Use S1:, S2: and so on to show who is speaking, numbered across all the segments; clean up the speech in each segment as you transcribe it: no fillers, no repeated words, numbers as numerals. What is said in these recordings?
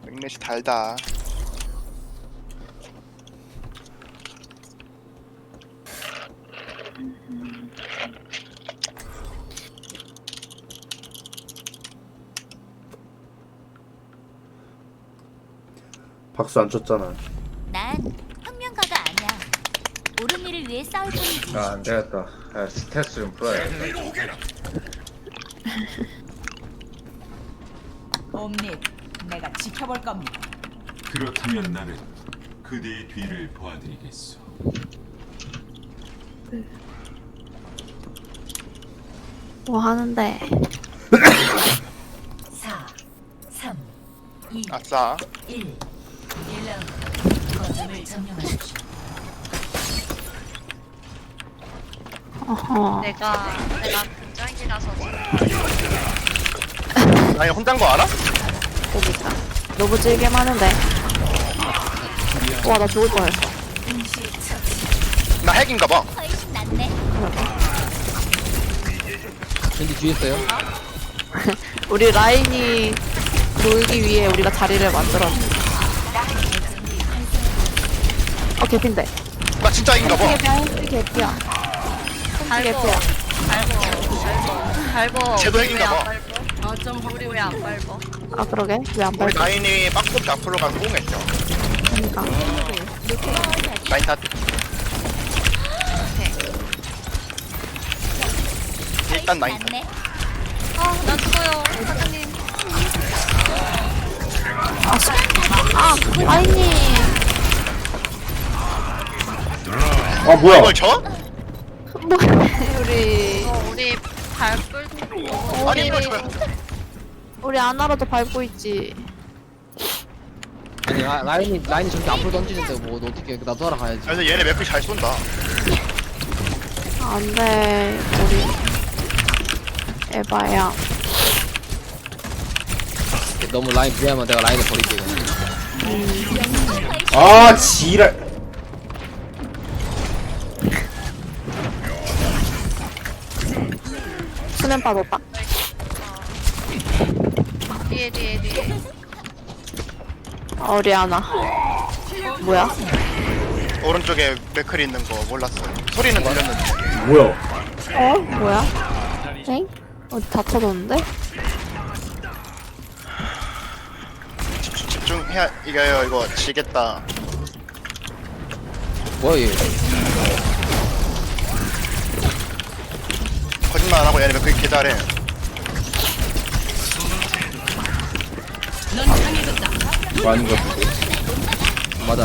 S1: 맥넷이 달다.
S2: 박수 안 쳤잖아.
S3: 난 혁명가가 아니야. 옳은 일을 위해 싸울 뿐이지.
S4: 아 안되겠다. 야, 스탯 좀 풀어야겠다.
S5: 옴닉, 내가 지켜볼 겁니다.
S6: 그렇다면 나는 그대의 뒤를 보아드리겠소.
S7: 뭐 하는데?
S5: 4, 3, 2,
S1: 아싸.
S5: 1. 1라운드. 거점을 점령하십시오.
S7: 어허.
S8: 내가 근장이라서
S1: 아니 혼자인 거 알아?
S7: 그니까. 너무 질게 많은데. 와, 나 죽을 뻔했어.
S1: 나 핵인가 봐.
S3: 훨씬 낫네.
S9: 밴디 뒤에 있어요?
S7: 우리 라인이 놀기 위해 우리가 자리를 만들었는데. 개핀데.
S1: 나 진짜 핵인가 봐.
S7: 개피야.
S8: 밟어 밟어
S1: 쟤도 핵인가 봐.
S8: 우리 왜 안 밟어?
S7: 아, 그러게? 왜 안
S1: 우리
S7: 밟아?
S1: 라인이 빡ปุ๊ 앞으로 가서 꽁했죠.
S7: 그니까.
S1: 라인 다. 일단 라인 다.
S3: 낫네.
S8: 나 죽어요 사장님.
S7: 라인님.
S2: 아 뭐야?
S1: 이걸 쳐?
S7: 우리,
S8: 우리 밟을
S1: 아니 이걸 쳐요.
S7: 우리 아나라도 밟고 있지.
S9: 아니 라인이 저렇게 앞으로 던지는데 뭐 어떻게 나도 하러 가야지.
S1: 그래서 얘네 맵이 잘 쏜다.
S7: 안 돼, 우리. 에바야.
S9: 너무 라인 무리하면 내가 라인을 버릴게. 이거.
S2: 아 지랄.
S7: 수면 빠졌다.
S8: 뒤에
S7: 우리 아나. 뭐야?
S1: 오른쪽에 맥클이 있는 거 몰랐어요. 소리는 들렸는데.
S2: 뭐야?
S7: 뭐야? 엥? 어디 다쳐졌는데?
S1: 집중해야 이겨요. 이거 지겠다.
S9: 뭐야 얘?
S1: 거짓말 안 하고 얘네 맥클 개 잘해.
S2: 이거 아닌 것 같은데.
S9: 맞아.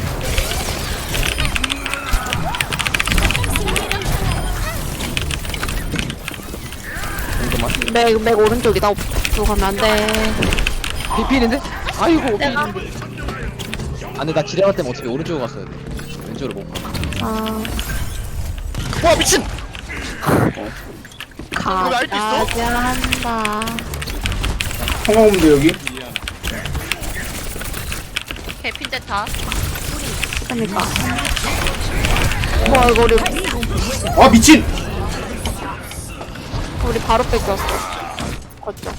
S9: 잠깐만.
S7: 맥 오른쪽이다. 들어가면 안 돼.
S9: 비피는데? 아이고 비피는데. 아 근데 나 지뢰갈 때면 어차피 오른쪽으로 갔어야 돼. 왼쪽으로 못 가.
S7: 아,
S1: 와 미친.
S7: 가야
S1: 알고 있어?
S7: 한다.
S2: 성공인데 여기?
S8: 개핀데 다.
S7: 그니까. 와, 이거
S2: 아 미친!
S7: 우리 바로 뺏겼어. 거죠.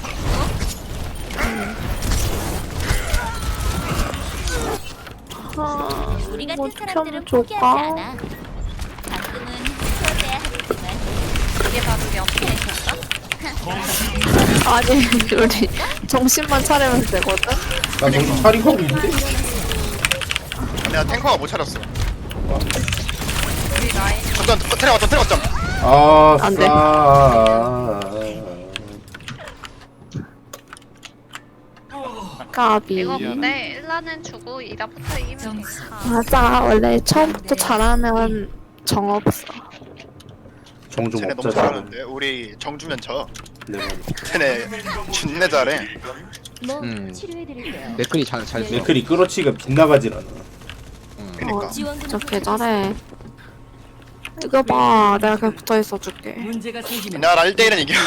S3: 우리 같은
S7: 뭐
S3: 사람들은
S7: 좀
S3: 포기하지
S7: 줄까?
S3: 않아. 가끔은 후회해야 하겠지만
S8: 이게 바로 연패인가?
S7: 아니, 우리 정신만 차리면 되거든?
S2: 나 정신 차리고 하고 있는데?
S1: 내가 탱커가 못 차렸어.
S8: 우리 라인
S1: 어떤 트레.
S2: 아
S7: 안 돼. 까비.
S8: 이거 근데 1라는 주고 2라부터 이기면 괜찮아.
S7: 맞아. 원래 처음부터 잘하면 정 없어.
S2: 정좀
S1: 쟤네 너무
S2: 없자.
S1: 잘하는데 우리 정주면 져.
S2: 네.
S1: 쟤네 준내 잘해.
S3: 뭐
S9: 음.
S3: 치료해드릴게요.
S9: 맥클이 잘 써.
S2: 맥클이 끌어치기가 빗나가질 않아.
S1: 그니까.
S3: 지원금
S7: 저렇게 잘해. 이거 봐. 내가 그냥 붙어 있어 줄게.
S5: 문제가 생기면
S1: 나 1대1은 이겨.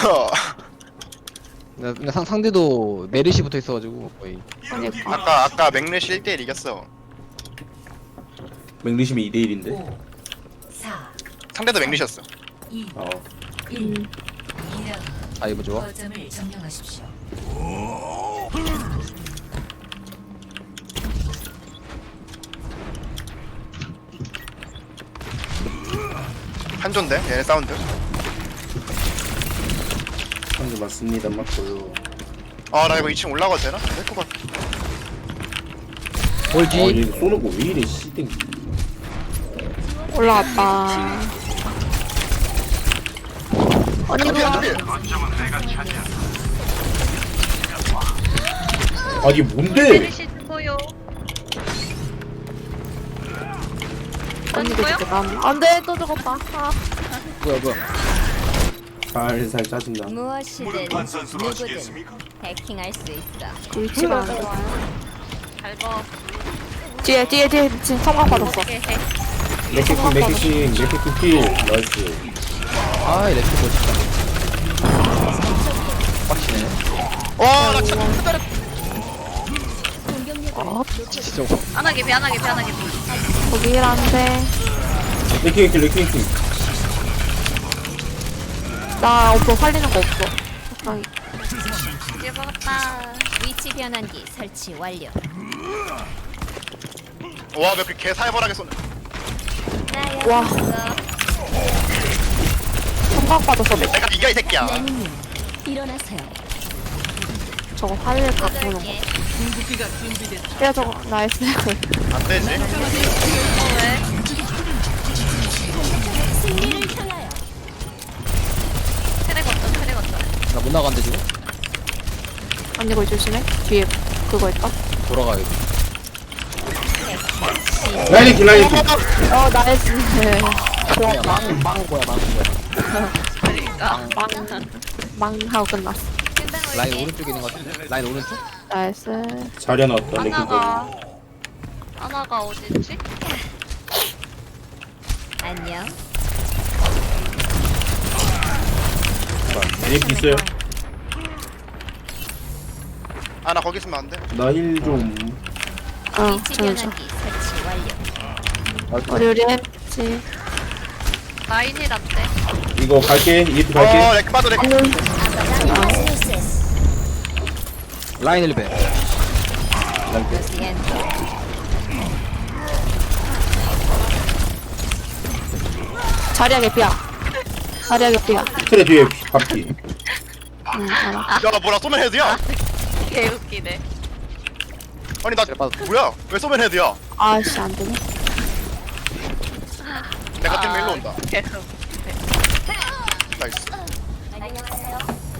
S9: 근데 상대도 메르시 붙어 있어가지고 거의.
S7: 그러니까.
S1: 아까 맥넷이 1대1 이겼어.
S2: 맥리심이 2대1인데.
S5: 5, 4,
S1: 상대도 맥넷이었어.
S5: 2,
S2: 어.
S5: 1. 2라운드.
S9: 아 이거 좋아.
S5: 거점을 점령하십시오.
S1: 한조인데 얘네 사운드.
S2: 한대 맞습니다. 맞고요.
S1: 아 나 이거 2층 올라가도 되나? 될것 같아.
S9: 뭘지?
S2: 얘 쏘는 거 왜 이래 씨댕.
S7: 올라갔다. 언니
S1: 한조필
S7: 그거
S1: 한조필.
S2: 아 이게 뭔데?
S8: 메르시 죽어요.
S7: 언니도
S8: 뭐요?
S7: 죽겠다. 안돼 또 죽었다. 아.
S9: 뭐야.
S2: 살살 짜증나.
S3: 무엇이든
S6: 판산수
S3: 누구든
S6: 하시겠습니까?
S3: 해킹할 수 있어.
S7: 그 위치가 안 좋아요.
S8: 잘 봐.
S7: 뒤에 지금 성광 받았어.
S8: 어떻게 해?
S2: 맥키킹 필. 나이스.
S9: 아, 이 렉스 멋있다. 빡치네.
S1: 와나 진짜 기다려.
S7: 어,
S9: 진짜.
S8: 안하게 비 안하게 비 안하게 비.
S7: 거기 일하는데
S2: 레킹킹.
S7: 나 없어 살리는 거 없어. 적당히.
S8: 이제 먹었다.
S3: 위치 변환기 설치 완료.
S1: 와 몇 개 개 살벌하게 쏘네.
S7: 와. 성광 받았어. 내
S1: 내가 이겨 이 새끼야.
S3: 일어나세요.
S7: 저거 살릴 갖고 오는 거. 야 저거 나이스.
S1: 안 되지.
S8: 왜?
S3: 승리를 향하여.
S8: 트랙 어떤 트랙 어떤.
S9: 나 못 나간대, 지금?
S7: 언니 거기 조심해. 뒤에 그거 있다.
S9: 돌아가야겠다.
S2: 라이킹.
S7: 어 나이스.
S9: 그냥 망 거야.
S7: 망하고 끝났어.
S9: 라인 오른쪽에 있는 거 같은데? 라인 오른쪽?
S7: 나이스.
S2: 자리 하나 왔다. 레킹
S8: 하나가 어딨지?
S3: 안녕.
S2: 레킹 있어요.
S1: 아 나 거기 있으면 안 돼.
S2: 나 힐 좀.
S3: 위치
S7: 저는
S3: 변환기 설치 완료.
S7: 우리 했지.
S8: 라인이 낫대.
S2: 이거 갈게. EF
S1: 어
S2: 갈게.
S1: 렉 빠져 렉.
S9: 라인 1배.
S7: 자리야 개피야. 자리야 개피야.
S2: 트레 뒤에 바퀴.
S7: 응 알아.
S1: 야 뭐라 쏘면 헤드야?
S8: 개 웃기네.
S1: 아니 나 뭐야? 왜 쏘면 헤드야?
S7: 아씨 안 되네.
S1: 내가 때문에 일로 온다.
S8: 개
S1: 나이스.
S3: 안녕하세요.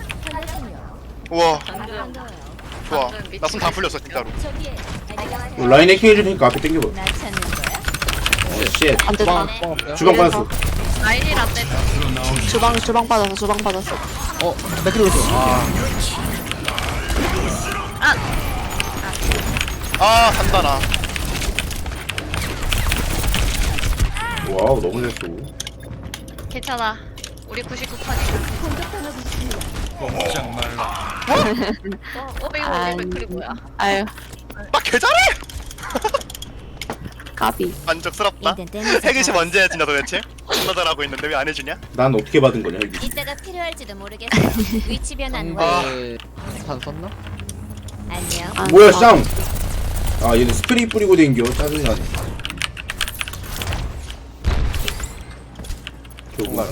S1: 우와
S8: 방금
S1: 좋아. 나 손 다 풀렸어 진짜로.
S3: 저기에 안녕하세요.
S2: 라인 해킹 해줄 테니까 앞에 당겨봐.
S3: 나 찾는 거야?
S2: 쉣.
S7: 안 된다.
S9: 주방 없어요?
S2: 주방 빠졌어.
S8: 라인이 낫대.
S7: 주방 받았어.
S9: 어, 맥크리 오른쪽. 아,
S1: 아 산다 나.
S2: 와우 너무 잘 쏘.
S8: 괜찮아. 우리 99판이고.
S6: 꼼짝 말라.
S8: 500원 맥클이 뭐야?
S7: 아유
S1: 나 개잘해.
S7: 까비.
S1: 만족스럽다.
S3: 이땐
S1: 해기시 언제 해주냐 도대체? 존나 잘하고 있는데 왜 안 해주냐?
S2: 난 어떻게 받은 거냐 이게.
S3: 이따가 필요할지도 모르겠어. 위치 변환 완료.
S9: 상대 산 썼나?
S3: 안녕.
S7: 아,
S2: 뭐야 쌍. 아 얘는 스프레이 뿌리고 댕겨. 짜증나네. 정말.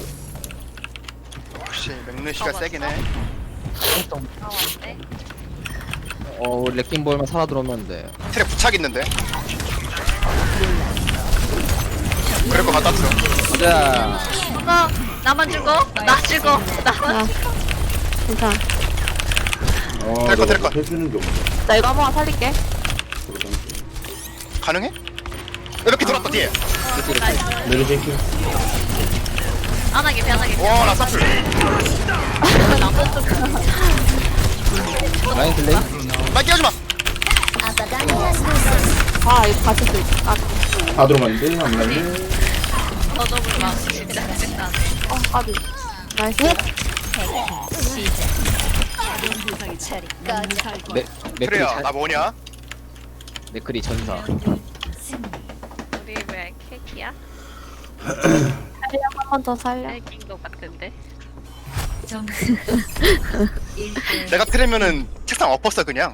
S1: 역시 맥르시가 세긴 해.
S8: 아 왔대.
S9: 레킹볼만 살아 들어오면 돼.
S1: 트랙 부착 있는데. 그럴 것 같았어.
S9: 가자.
S8: 나만 죽어? 나 죽어. 나.
S7: 아, 괜찮아.
S2: 아
S1: 될 것, 될
S2: 내가
S1: 것.
S2: 해주는 게 없네.
S7: 나 이거 한번 살릴게.
S1: 가능해? 이렇게 돌았다 뒤에.
S2: 내려줘 해킹.
S8: 안하게 비 안하게.
S1: 와나 사플.
S9: 라인 슬레이?
S1: 나 끼워지 마.
S7: 아 이거 같이 쓸. 아,
S2: 다 들어갔는데 안 갔네.
S8: 더더블 막 시작.
S7: 까비. 나이스.
S9: 맥크리
S1: 그래야 나 뭐냐?
S9: 맥크리 전사.
S8: 우리 왜 케이크야?
S7: 한 번 더 살려.
S8: 케이크인 것 같은데.
S5: 점수
S1: 내가 트레면은 책상 엎었어 그냥.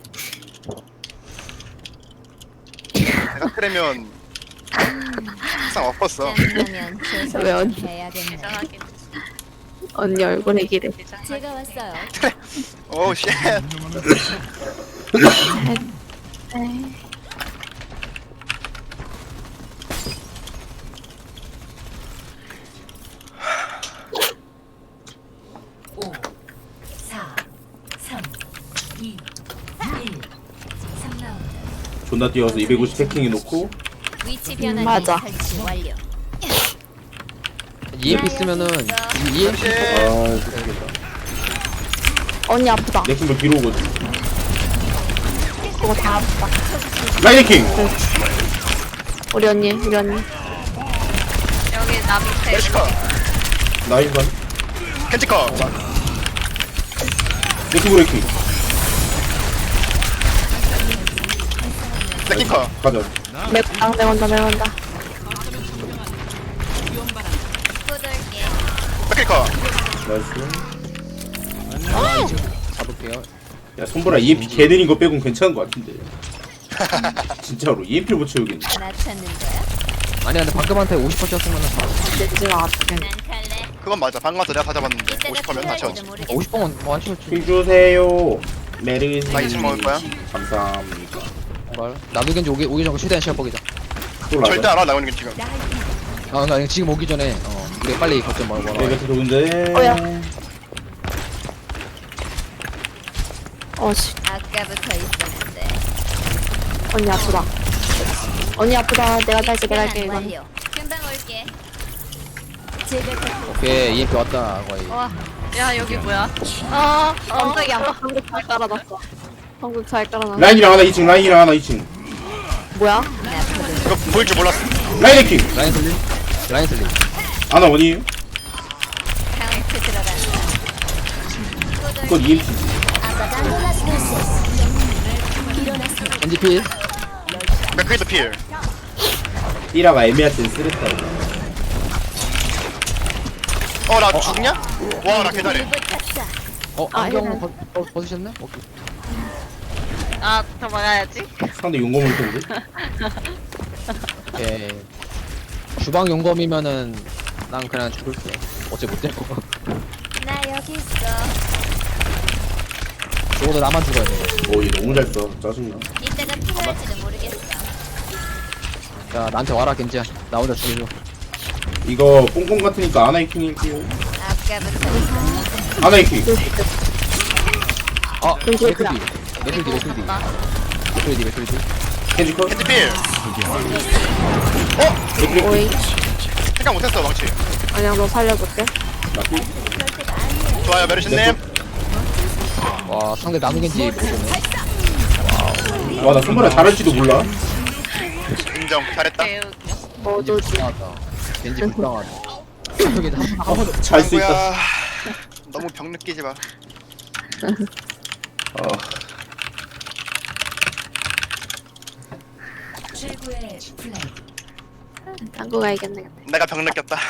S1: 내가 트레면 항상 엎었어.
S3: 짜증나면
S7: 왜 언니?
S3: 해야겠네.
S8: 대장하긴.
S7: 언니 얼굴에 기대.
S3: 제가 왔어요.
S1: 오 쉣.
S5: 오, 4, 3, 2, 1. 3라운드.
S2: 존나 뛰어서 250 해킹해 놓고
S3: 위치 변환기
S7: 맞아.
S3: 설치 완료.
S9: EMP 쓰면은 EMP
S2: 아 죽겠다.
S7: 언니 아프다.
S2: 레킹볼 뒤로 오거든.
S7: 그거 다 아프다.
S2: 라인 해킹.
S7: 우리 언니.
S8: 여기 나 밑에.
S1: 메시커.
S2: 나인반.
S1: 켄지커.
S2: 레킹볼 해킹.
S1: 레킹커.
S2: 가자.
S7: 매운다.
S8: 꾸들게.
S1: 맥힐커.
S2: 나이스.
S9: 잡을게요.
S2: 야 손보라 EMP 개 느린 거 빼곤 괜찮은 거 같은데. 진짜로 EMP를 못 채우겠네.
S3: 나 찾는 거야?
S9: 아니 근데 방금한테 50% 쳤으면은
S7: 렌즈가 아프게.
S3: 난 갈래.
S1: 그건 맞아. 방금 와서 내가 다 잡았는데
S3: 이때가
S1: 50%면 다 채웠지.
S3: 필요할지도 모르겠어.
S9: 50번은 뭐 하시겠지.
S2: 힐 주세요. 메르시.
S1: 나 2층 먹을 거야?
S2: 감사합니다.
S9: 뭘? 나도 겐지 오기 전에 최대한 시합 보기자.
S2: 또
S1: 절대
S2: 라자.
S1: 안 와. 나오는 게 지금.
S9: 아 그러니까 지금 오기 전에 우리 빨리 거점 먹어.
S2: 내가 좋은데.
S7: 어야. 어씨.
S3: 아까부터 있었는데.
S7: 언니 아프다. 언니 아프다. 내가 할게 이건.
S3: 완료. 금방 올게. 제가
S9: 오케이 EMP 왔다 거의.
S8: 와. 야 여기 뭐야?
S7: 깜짝이야. 한국 잘 깔아놨어. 한국 잘 깔아놨어.
S2: 라인이랑 하나 2층. 라인이랑 하나 2층.
S7: 뭐야?
S1: 이거 보일 줄 몰랐어.
S2: 라인 해킹.
S9: 라인 슬림. 라인 슬림.
S2: 하나 원이에요.
S3: 카운트 들어간다.
S2: 그건 EMP.
S9: 겐지 필.
S1: 맥크리도 필.
S2: 삐라가 애매할 땐 쓰랬다.
S1: 나 죽냐? 와, 나 개잘해.
S9: 안경 벗으셨네? 오케이.
S8: 아 도망가야지.
S2: 상대 용검을 텐데.
S9: 오케이. 주방 용검이면은 난 그냥 죽을게. 어째 못 될 거.
S3: 나 여기 있어.
S9: 죽어도 나만 죽어야 돼.
S2: 오, 얘 너무 잘 써. 짜증나.
S3: 이때가 필요할지도 모르겠어.
S9: 야 나한테 와라 겐지야. 나 혼자 죽여줘.
S2: 이거 뽕뽕 같으니까 아나 해킹 할게요.
S3: 아까부터
S2: 아나 해킹.
S9: 아
S7: 겐지
S9: 맥클디. 맥클디.
S2: 켄지 컷.
S1: 켄지 필.
S7: 오이.
S1: 생각 못했어, 망치.
S7: 아니야 너 살려줄게.
S1: 좋아요, 메르신님.
S9: 와 상대 나무 겐지 못 보네.
S2: 와, 나 손보라 잘할지도 몰라.
S1: 인정. 잘했다.
S8: 개웃겨.
S7: 뭐도
S9: 불쌍하다. 겐지 불쌍하다. 저기 한번
S2: 잘 수 있다.
S1: 친구야, 너무 병 느끼지 마.
S2: 어.
S5: 최고의 플레이.
S7: 당구 가야겠네.
S1: 내가 병 느꼈다.